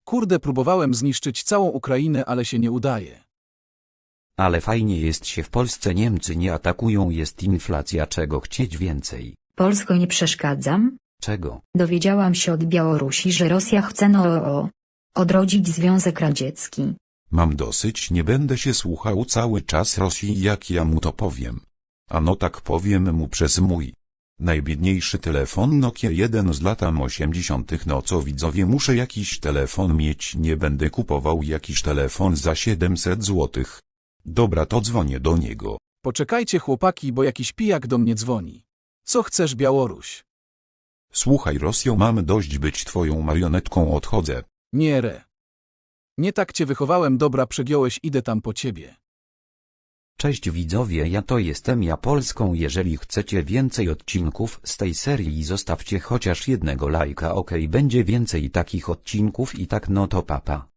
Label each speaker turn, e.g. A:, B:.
A: Kurde, próbowałem zniszczyć całą Ukrainę, ale się nie udaje.
B: Ale fajnie jest się w Polsce, Niemcy nie atakują, jest inflacja, czego chcieć więcej.
C: Polsko, nie przeszkadzam?
B: Czego?
C: Dowiedziałam się od Białorusi, że Rosja chce odrodzić Związek Radziecki.
D: Mam dosyć, nie będę się słuchał cały czas Rosji, jak ja mu to powiem. A no tak powiem mu przez mój najbiedniejszy telefon Nokia 1 z lat 80. No co widzowie, muszę jakiś telefon mieć, nie będę kupował jakiś telefon za 700 złotych. Dobra, to dzwonię do niego.
A: Poczekajcie chłopaki, bo jakiś pijak do mnie dzwoni. Co chcesz, Białoruś?
D: Słuchaj Rosjo, mam dość być twoją marionetką, odchodzę.
A: Nie re. Nie tak cię wychowałem, dobra, przegiąłeś, idę tam po ciebie.
B: Cześć widzowie, ja to jestem ja Polską. Jeżeli chcecie więcej odcinków z tej serii, zostawcie chociaż jednego lajka, ok, będzie więcej takich odcinków i tak, no to papa.